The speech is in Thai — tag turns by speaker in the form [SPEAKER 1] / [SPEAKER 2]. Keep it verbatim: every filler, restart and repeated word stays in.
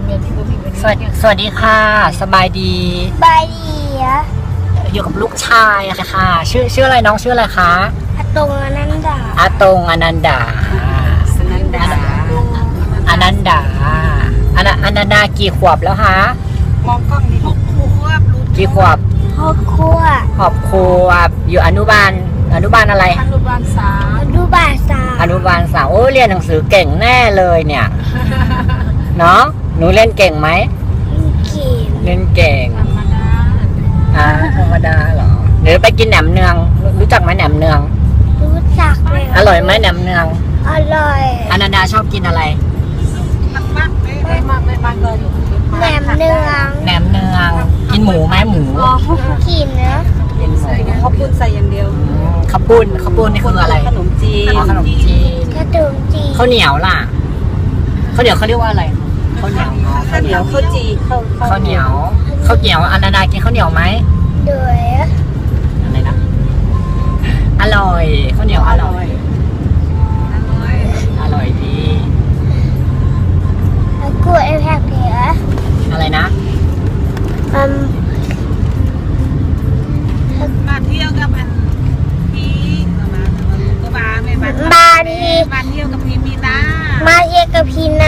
[SPEAKER 1] สวัสดีสวัสดีค่ะสบายดี
[SPEAKER 2] บายดีอะ
[SPEAKER 1] อยู่กับลูกชายอะค่ะ ชื่อชื่ออะไรน้องชื่ออะไรคะ
[SPEAKER 2] อาตรงอนันดา
[SPEAKER 1] อาตงอนันดา
[SPEAKER 3] สนันดา
[SPEAKER 1] อนันดาอนันอนันดากี่ขวบแล้วคะ
[SPEAKER 3] มองกล้องนี่หกขวบรู้
[SPEAKER 1] กี่ขวบ
[SPEAKER 2] พ่อครัว
[SPEAKER 1] ขอบขวบอยู่อนุบาลอนุบาลอะไร
[SPEAKER 3] อนุบาลสาม
[SPEAKER 2] ดูบาสา
[SPEAKER 1] อนุบาลสามโอ้เรียนหนังสือเก่งแน่เลยเนี่ยเนาะหนูเล่นเก่งไหม
[SPEAKER 2] เขีน
[SPEAKER 1] เล่นเก่ง
[SPEAKER 3] ธรรมดา
[SPEAKER 1] อ่าธรรมดาเหรอหรือไปกินแหนมเนืองรู้จักไหมแหนมเนือง
[SPEAKER 2] รู้จักไหม
[SPEAKER 1] อร่อยไหมแหนมเนือง
[SPEAKER 2] อร่อย
[SPEAKER 1] อนันดาชอบกินอะไร
[SPEAKER 3] มากมากไม่มากไม่มากเลยอยู่
[SPEAKER 2] แหนมเนือง
[SPEAKER 1] แหนมเนืองกินหมูไหมหมู
[SPEAKER 2] กินนะ
[SPEAKER 1] กินหมู
[SPEAKER 3] เขาปุ้นใส่อย่างเดียว
[SPEAKER 1] ข้าวปุ้นข้าวปุ้นนี่คืออะไร
[SPEAKER 3] ขนมจีน
[SPEAKER 1] อ๋อขนมจีน
[SPEAKER 2] กระดูกจี
[SPEAKER 1] ข้าวเหนียวล่ะข้าวเหนียวเขาเรียกว่าอะไรข้าวเหนียว
[SPEAKER 3] ข้าวเหนียวข้าวจีข้าว
[SPEAKER 1] ข้าวเหนียวข้าวเหนียวอนันดากินข้าวเหนียวไหม
[SPEAKER 2] ด้วย
[SPEAKER 1] อะไรนะอร่อยข้าวเหนียวอร่อย อร่อยดี
[SPEAKER 2] แล้วกูไอ้แพกเหลือ
[SPEAKER 1] อะไรนะ
[SPEAKER 2] อืม
[SPEAKER 3] มาเที่ยวกับอันพี่มาก็มาไม่มา
[SPEAKER 2] บาดี
[SPEAKER 3] มาเที่ยวกับพี่มีนา
[SPEAKER 2] มาเยกับพีนา